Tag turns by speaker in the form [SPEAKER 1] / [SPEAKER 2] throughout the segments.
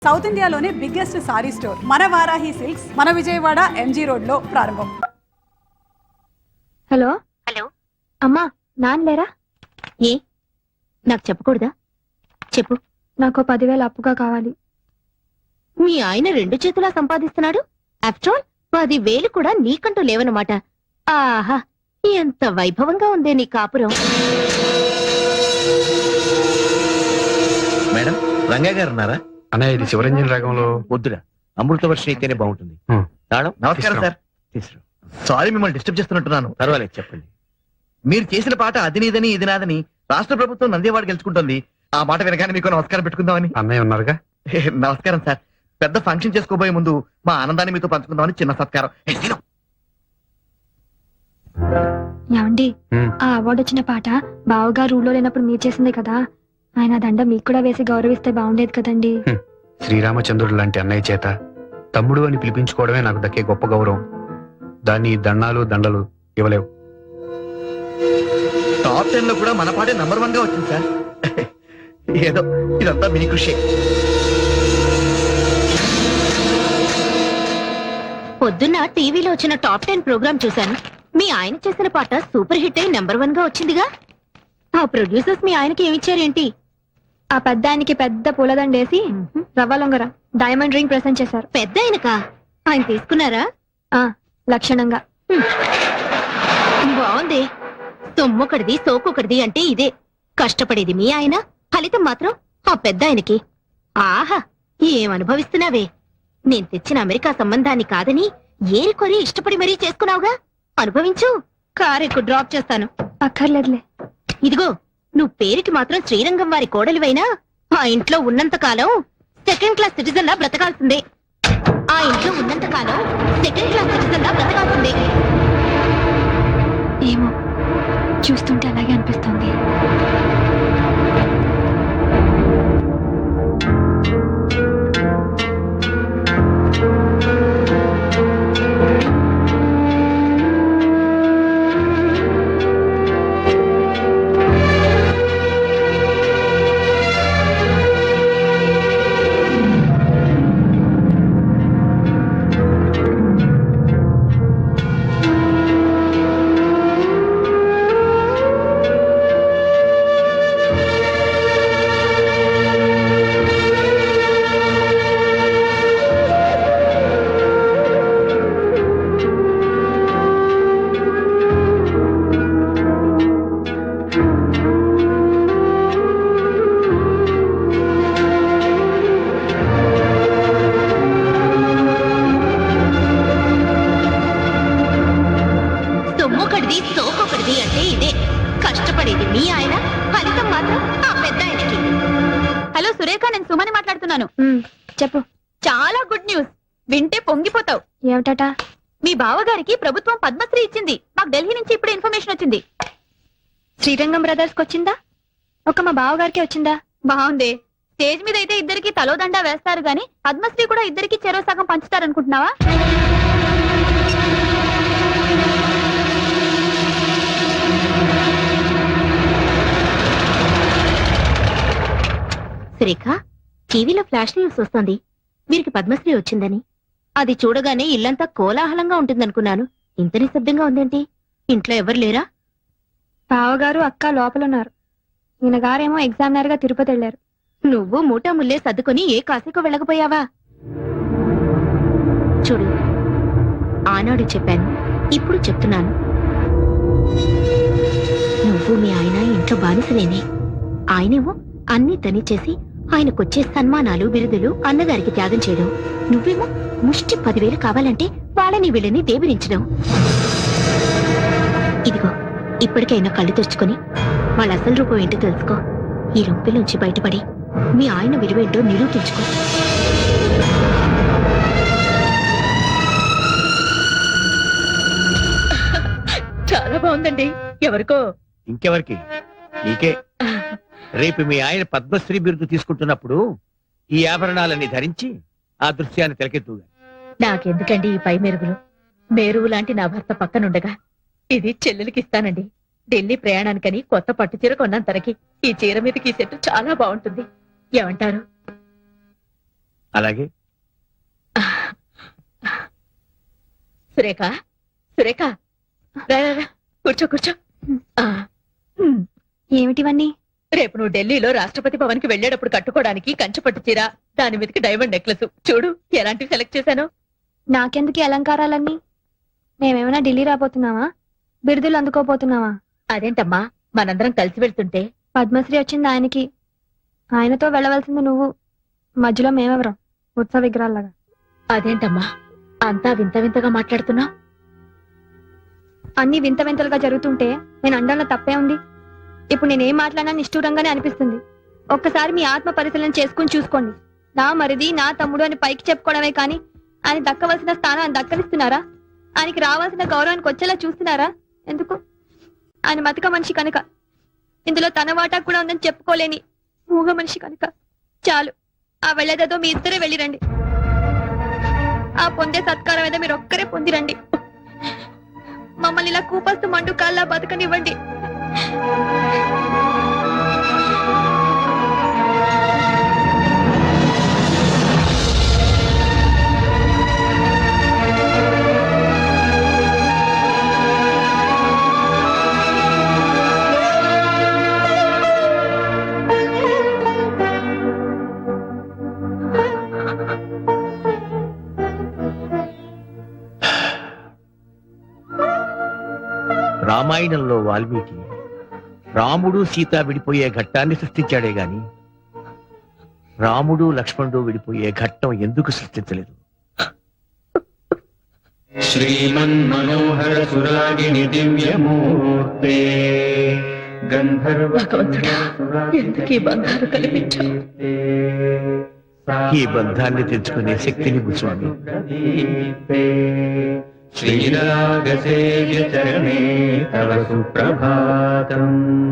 [SPEAKER 1] South ఇండియాలోనే biggest sorry store మన Varahi silks మన విజయవాడ ఎంజీ రోడ్ లో ప్రారంభం.
[SPEAKER 2] హలో
[SPEAKER 3] హలో
[SPEAKER 2] అమ్మా, నాన్న లేరా?
[SPEAKER 3] ఏ నాకు చెప్పకూడదా? చెప్పు.
[SPEAKER 2] నాకు 10,000 అప్పుగా కావాలి.
[SPEAKER 3] మీ ఆయన 2 చేతులా సంపాదిస్తున్నాడు. ఆఫ్టర్ ఆల్ 10,000 కూడా నీకంటూ లేవనమాట. ఆహా, ఎంత వైభవంగా ఉందే నీ కాపురం.
[SPEAKER 4] మేడం, రంగా గారు ఉన్నారా?
[SPEAKER 5] అన్నయ్య, ఇది శివరంజన్ రాగంలో
[SPEAKER 4] వద్దురా, అమృతవర్షి అయితేనే బాగుంటుంది. తాళం.
[SPEAKER 5] నమస్కారం సార్.
[SPEAKER 4] తీసుకురా.
[SPEAKER 5] సారీ, మిమ్మల్ని డిస్టర్బ్ చేస్తున్నట్టున్నాను.
[SPEAKER 4] పర్వాలేదు, చెప్పండి.
[SPEAKER 5] మీరు చేసిన పాట అది నీదని ఇది నాదని రాష్ట్ర ప్రభుత్వం నందేవాడ గెలుచుకుంటుంది. ఆ మాట వినగానే మీకు నమస్కారం పెట్టుకుందామని.
[SPEAKER 6] అన్నయ్య ఉన్నారుగా.
[SPEAKER 5] నమస్కారం సార్. పెద్ద ఫంక్షన్ చేసుకోబోయే ముందు మా ఆనందాన్ని మీతో పంచుకుందామని చిన్న సత్కారం.
[SPEAKER 2] ఏమండి, ఆ అవార్డు వచ్చిన పాట బావగారు ఊళ్ళో లేనప్పుడు మీరు చేసిందే కదా. ఆయన దండ మీకు కూడా వేసి గౌరవిస్తే బాగుండేది కదండి.
[SPEAKER 6] శ్రీరామచంద్రుడు లాంటి అన్నయ్య చేత తమ్ముడు అని పిలిపించుకోవడమే నాకు దక్కే గొప్ప గౌరవం. దాన్ని దండాలు దండలు ఇవ్వలేవు.
[SPEAKER 5] టాప్ 10 లో కూడా మన పాటే నంబర్ 1 గా వచ్చింది సార్. ఏదో ఇదంతా మీ కృషి.
[SPEAKER 3] పొద్దున్న టీవీలో వచ్చిన టాప్ 10 ప్రోగ్రామ్ చూశాను. మీ ఆయన చేసిన పాట సూపర్ హిట్ అయి నెంబర్ 1 గా వచ్చిందిగా. ఆ ప్రొడ్యూసర్స్ మీ ఆయనకి ఏమిచ్చారేంటి?
[SPEAKER 2] ఆ పెద్ద ఆయనకి పెద్ద పూలదండేసి రవ్వ లొంగర డైమండ్ రింగ్ ప్రెసెంట్ చేశారు.
[SPEAKER 3] పెద్ద ఆయనకా? ఆయన తీసుకున్నారా?
[SPEAKER 2] లక్షణంగా.
[SPEAKER 3] బాగుంది. సొమ్మొకటిది సోకొకటిది అంటే ఇదే. కష్టపడేది మీ ఆయన, ఫలితం మాత్రం ఆ పెద్ద ఆయనకి. ఆహా, ఏమనుభవిస్తున్నావే. నేను తెచ్చిన అమెరికా సంబంధాన్ని కాదని ఏరికొరి ఇష్టపడి మరీ చేసుకున్నావుగా. అనుభవించు. కారెక్కు డ్రాప్ చేస్తాను.
[SPEAKER 2] అక్కర్లేదులే.
[SPEAKER 3] ఇదిగో, నువ్వు పేరుకి మాత్రం శ్రీరంగం వారి కోడలివైనా ఆ ఇంట్లో ఉన్నంత కాలం 2nd క్లాస్ సిటిజన్ లా బ్రతకాల్సిందే. ఆ ఇంట్లో ఉన్నంత కాలం 2nd క్లాస్ సిటిజన్ లా బ్రతకాల్సిందే.
[SPEAKER 2] ఏమో, చూస్తుంటే అలాగే అనిపిస్తుంది.
[SPEAKER 3] సోకొకటిది అంటే ఇదే. కష్టపడేది మీ ఆయన, ఫలితం మాత్రం ఆ పెద్ద ఆయనకి. హలో సురేఖ, నేను సుమని మాట్లాడుతున్నాను.
[SPEAKER 2] చెప్పు.
[SPEAKER 3] చాలా గుడ్ న్యూస్. వింటే పొంగిపోతావు.
[SPEAKER 2] ఏమిటట?
[SPEAKER 3] మీ బావగారికి ప్రభుత్వం పద్మశ్రీ ఇచ్చింది. మాకు ఢిల్లీ నుంచి ఇప్పుడే ఇన్ఫర్మేషన్ వచ్చింది.
[SPEAKER 2] శ్రీరంగం బ్రదర్స్ కి వచ్చిందా? ఒక మా బావగారికి వచ్చిందా?
[SPEAKER 3] బాగుంది. స్టేజ్ మీద అయితే ఇద్దరికి తలోదండా వేస్తారు గాని పద్మశ్రీ కూడా ఇద్దరికి చెరో సగం పంచుతారనుకుంటున్నావా? సురేఖ, టీవీలో ఫ్లాష్ న్యూస్ వస్తోంది. వీరికి పద్మశ్రీ వచ్చిందని. అది చూడగానే ఇల్లంతా కోలాహలంగా ఉంటుందనుకున్నాను. ఇంత నిశ్శబ్దంగా ఉందేంటి? ఇంట్లో ఎవరు లేరా?
[SPEAKER 2] బావగారు అక్క లోపలున్నారు. ఈయన గారేమో ఎగ్జామినర్ గా తిరుపతి వెళ్లారు.
[SPEAKER 3] నువ్వు మూటా ముల్లే సర్దుకొని ఏ కాశీకో వెళ్ళకపోయావా? చూడు, ఆనాడు చెప్పాను, ఇప్పుడు చెప్తున్నాను. నువ్వు మీ ఆయన ఇంట్లో బానిసలేనే. ఆయనేమో అన్ని తనిచేసి ఆయనకొచ్చే సన్మానాలు బిరుదులు అన్నగారికి త్యాగం చేయడం. నువ్వేమో ముష్టి 10,000 కావాలంటే వాళ్ళని వీళ్ళని దేబిరించడం. ఇదిగో, ఇప్పటికైనా కళ్ళు తెరుచుకొని వాళ్ళ అసలు రూపం ఏంటో తెలుసుకో. ఈ రొంపిలోంచి బయటపడి మీ ఆయన విలువేంటో నిరూపించుకో. చాలా బాగుందండి. ఎవరికో?
[SPEAKER 4] ఇంకెవరికి? నీకే. రేపు మీ ఆయన పద్మశ్రీ బిరుదు తీసుకుంటున్నప్పుడు ఈ ఆభరణాలన్నీ ధరించి ఆ దృశ్యాన్ని తెలకెత్తుగా.
[SPEAKER 3] నాకెందుకండి ఈ పై మెరుగులు? మేరువు లాంటి నా భర్త పక్కనుండగా ఇది చెల్లెలికి ఇస్తానండి. ఢిల్లీ ప్రయాణానికని కొత్త పట్టు చీర కొన్నాను తనకి. ఈ చీర మీదకి ఈ సెట్ చాలా బాగుంటుంది. ఏమంటారు?
[SPEAKER 4] అలాగే.
[SPEAKER 3] సురేఖ సురేఖ రా, రా, రా. కూర్చో కూర్చో. ఆ,
[SPEAKER 2] ఏమిటివన్నీ?
[SPEAKER 3] రేపు నువ్వు ఢిల్లీలో రాష్ట్రపతి భవన్ కి వెళ్లేటప్పుడు కట్టుకోవడానికి కంచుపట్టు చీర, దాని మీదకి డైమండ్ నెక్లెస్. చూడు ఎలాంటివి సెలెక్ట్ చేశాను.
[SPEAKER 2] నాకెందుకు ఈ అలంకారాలన్నీ? మేమేమైనా ఢిల్లీ రాబోతున్నావా? బిరుదులు అందుకోపోతున్నావా?
[SPEAKER 3] అదేంటమ్మా, మనందరం కలిసి వెళ్తుంటే
[SPEAKER 2] పద్మశ్రీ వచ్చింది ఆయనకి, ఆయనతో వెళ్ళవలసింది నువ్వు, మధ్యలో మేమెవరం ఉత్సవ విగ్రహాల్లాగా.
[SPEAKER 3] అదేంటమ్మా అంతా వింత వింతగా మాట్లాడుతున్నా?
[SPEAKER 2] అన్ని వింత వింతలుగా జరుగుతుంటే నేను అండంలో తప్పే ఉంది. ఇప్పుడు నేనేం మాట్లాడినా నిష్ఠూరంగానే అనిపిస్తుంది. ఒక్కసారి మీ ఆత్మ పరిశీలన చేసుకుని చూసుకోండి. నా మరిది, నా తమ్ముడు అని పైకి చెప్పుకోవడమే కానీ ఆయన దక్కవలసిన స్థానం ఆయన దక్కనిస్తున్నారా? ఆయనకి రావాల్సిన గౌరవానికి వచ్చేలా చూస్తున్నారా? ఎందుకు? ఆయన మతక మనిషి కనుక, ఇందులో తన వాటా కూడా ఉందని చెప్పుకోలేని మూగ మనిషి కనుక. చాలు, ఆ వెళ్ళేదేదో మీ ఇద్దరే వెళ్ళిరండి. ఆ పొందే సత్కారం ఏదో మీరు ఒక్కరే పొందిరండి. మమ్మల్ని ఇలా కూపస్తు మండు కాల్లా బతకనివ్వండి.
[SPEAKER 4] రామాయణంలో వాల్మీకి రాముడు సీత విడిపోయే ఘట్టాన్ని సృష్టించాడే గాని రాముడు లక్ష్మణుడు విడిపోయే ఘట్టం ఎందుకు సృష్టించలేదు?
[SPEAKER 7] శ్రీమన్మనోహర సురాగిణి దివ్యమూర్తే
[SPEAKER 3] భగవంతుడా, ఎందుకు ఈ బంధాలు కల్పించావు?
[SPEAKER 4] ఈ బంధాన్ని తెచ్చుకునే శక్తిని స్వామి.
[SPEAKER 7] శ్రీరాగసేవ్య చరణే తవ సుప్రభాతం.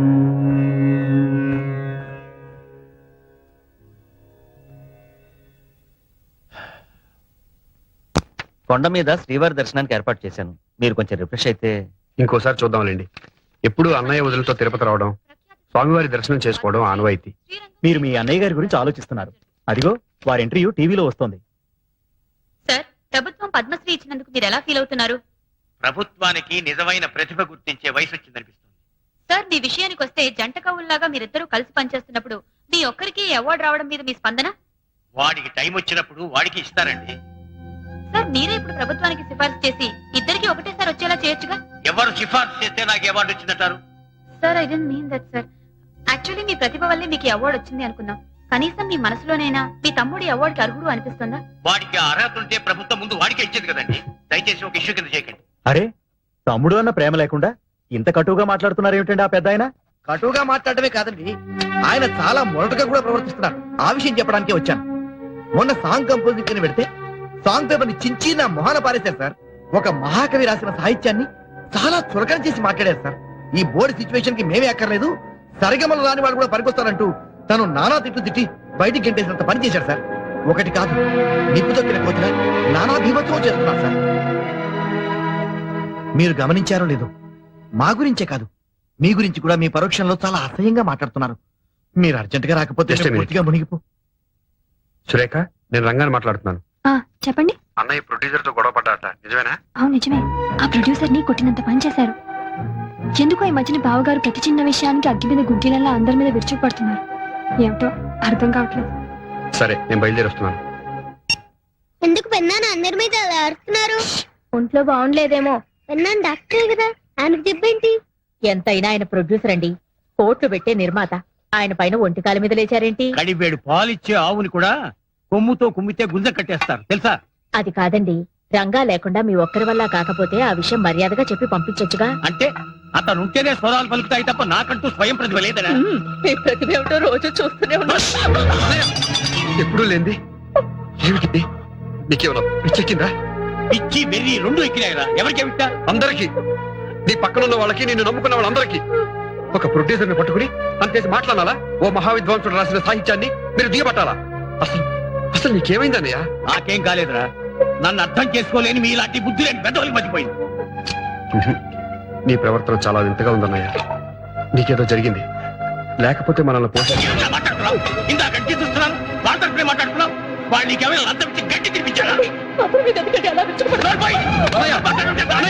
[SPEAKER 5] కొండ మీద శ్రీవారి దర్శనానికి ఏర్పాటు చేశాను. మీరు కొంచెం రిఫ్రెష్ అయితే.
[SPEAKER 6] ఇంకోసారి చూద్దాంలేండి. ఎప్పుడు అన్నయ్య వదులతో తిరుపతి రావడం, స్వామివారి దర్శనం చేసుకోవడం ఆనవాయితీ.
[SPEAKER 8] మీరు మీ అన్నయ్య గారి గురించి ఆలోచిస్తున్నారు. అదిగో వారి ఇంటర్వ్యూ టీవీలో వస్తోంది.
[SPEAKER 3] సార్, ప్రభుత్వం పద్మశ్రీ ఇచ్చినందుకు మీరు ఎలా ఫీల్ అవుతున్నారు?
[SPEAKER 4] ప్రభుత్వానికి నిజమైన ప్రతిభ గుర్తించే వయసు వచ్చిందనిపిస్తుంది.
[SPEAKER 3] సార్, మీ విషయానికి వస్తే జంట కవుల్లాగా మీరిద్దరూ కలిసి పనిచేస్తున్నప్పుడు మీ ఒక్కరికి అవార్డు రావడం మీద మీ స్పందన?
[SPEAKER 4] వాడికి టైం వచ్చినప్పుడు వాడికి ఇస్తారండి.
[SPEAKER 3] సార్, మీరే ఇప్పుడు ప్రభుత్వానికి సిఫార్సు చేసి ఇద్దరికి ఒకటేసారి వచ్చేలా చేయొచ్చుగా.
[SPEAKER 4] ఎవరు సిఫార్సు చేస్తే నాకు అవార్డు వచ్చిందంటారు?
[SPEAKER 3] Sir, I don't mean that sir. Actually మీ ప్రతిభ వల్లే మీకు అవార్డు వచ్చింది అనుకున్నాం. కనీసం మీ మనసులోనైనా మీ తమ్ముడి అవార్డుకి అర్హుడు అనిపిస్తుందా?
[SPEAKER 4] వాడికి అర్హత ఉంటే ప్రభుత్వం ముందు వాడికే ఇచ్చేది కదండి. దయచేసి ఒక ఇష్యూ కింద చేయకండి.
[SPEAKER 8] అరే, తమ్ముడు అన్న ప్రేమ లేకుండా ఇంత కటువుగా మాట్లాడుతున్నారు ఏమిటండి ఆ పెద్ద ఆయన?
[SPEAKER 5] కటువుగా మాట్లాడమే కాదండి, ఆయన చాలా మొరటుగా కూడా ప్రవర్తిస్తున్నారు. ఆ విషయం చెప్పడానికే వచ్చాను. మొన్న సాంగ్ కంపోజింగ్ ని పెడితే సాంగ్ పేపర్ ని చించి నా మొహాన పారేశారు సార్. ఒక మహాకవి రాసిన సాహిత్యాన్ని చాలా చులకన చేసి మాట్లాడారు సార్. ఈ బోర్డు సిచ్యువేషన్ కి మేమే అక్కర్లేదు, సరిగమలు రాని వాడు కూడా పనికొస్తారంటూ తను నానా తిట్లు తిట్టి బయటికి గంటేసినంత పని చేశారు సార్. ఒకటి కాదు, నిప్పు తొక్కిన కోతిగా నానా భీమత్వం చేస్తున్నారు సార్. మీరు గమనించారో లేదో, మా గురించే కాదు మీ గురించి కూడా మీ పరోక్షంలో చాలా అసహ్యంగా మాట్లాడుతున్నారు. మీరు అర్జెంట్ గా రాకపోతే
[SPEAKER 6] Just a minute.
[SPEAKER 5] పూర్తిగా మునిగిపో.
[SPEAKER 6] సురేఖ, నేను రంగాన్ని మాట్లాడుతున్నాను.
[SPEAKER 2] చెప్పండి.
[SPEAKER 6] అన్నయ్య ప్రొడ్యూసర్ తో గొడవ పడ్డాట, నిజమేనా?
[SPEAKER 2] అవును, నిజమే. ఆ ప్రొడ్యూసర్ ని కొట్టినంత పని చేశారు. ఎందుకో ఈ మధ్యన బావగారు ప్రతి చిన్న విషయానికి అగ్గి మీద గుడ్డీలలా అందరి మీద విరుచుకుపడుతున్నారు. ఏమిటో అర్థం కావట్లేదు.
[SPEAKER 6] సరే, నేను బయలుదేరి వస్తున్నాను.
[SPEAKER 9] ఎందుకు పెన్నాను అందరి మీద అలా అరుస్తున్నారు?
[SPEAKER 2] ఒంట్లో బాగుండలేదేమో.
[SPEAKER 9] పెన్నాను డాక్టరే కదా, ఆయనకు చెప్పేంటి?
[SPEAKER 3] ఎంతైనా ఆయన ప్రొడ్యూసర్ అండి, కోట్లు పెట్టే నిర్మాత. ఆయన పైన ఒంటికాల మీద లేచారేంటి?
[SPEAKER 4] కడివేడు పాలిచ్చే ఆవుని కూడా కొమ్ముతో కుమ్మితే గుంజ కట్టేస్తారు తెలుసా?
[SPEAKER 3] అది కాదండి, రంగా లేకుండా మీ ఒక్కరి వల్ల కాకపోతే ఆ విషయం మర్యాదగా చెప్పి పంపించొచ్చుగా.
[SPEAKER 4] అంటే అతను ఉంటేనే స్వరాలు పలుకుతాయి తప్ప నాకంటూ స్వయం ప్రతిభ లేదనా?
[SPEAKER 3] మీ ప్రతిభ ఏమిటో రోజు చూస్తూనే ఉన్నా.
[SPEAKER 6] ఎప్పుడూ లేంది ఏమిటి? నీకేమన్నా పిచ్చెక్కిందా?
[SPEAKER 4] పిచ్చి వెర్రి రెండు ఎక్కినాయిరా. ఎవరికి విట్టా?
[SPEAKER 6] అందరికి, నీ పక్కన ఉన్న వాళ్ళకి, నిన్ను నమ్ముకున్న వాళ్ళందరికీ. ఒక ప్రొడ్యూసర్ ని పట్టుకుని అంతేసి మాట్లాడాలా? ఓ మహావిద్వాంసుడు రాసిన సాహిత్యాన్ని మీరు దిగబట్టాలా? అసలు అసలు నీకేమైందన్నయ్య?
[SPEAKER 4] నాకేం కాలేదురా. నన్ను అర్థం చేసుకోలేని మీ ఇలాంటి బుద్ధి లేని పెద్దవాళ్ళకి మర్చిపోయింది.
[SPEAKER 6] నీ ప్రవర్తన చాలా వింతగా ఉందన్నయ్య. నీకేదో జరిగింది, లేకపోతే మనల్ని పోషించ.
[SPEAKER 4] మాట్లాడుతున్నావు ఇందాక చూస్తున్నాను, వాళ్ళతో మాట్లాడుతున్నావు. వాళ్ళు నీకేమైనా లంచం ఇచ్చి గట్టి తినిపించారా?
[SPEAKER 3] అతని మీద ఎందుకంటే అలా విరుచుకుపడ్డావు?
[SPEAKER 4] నోర్మోయ్!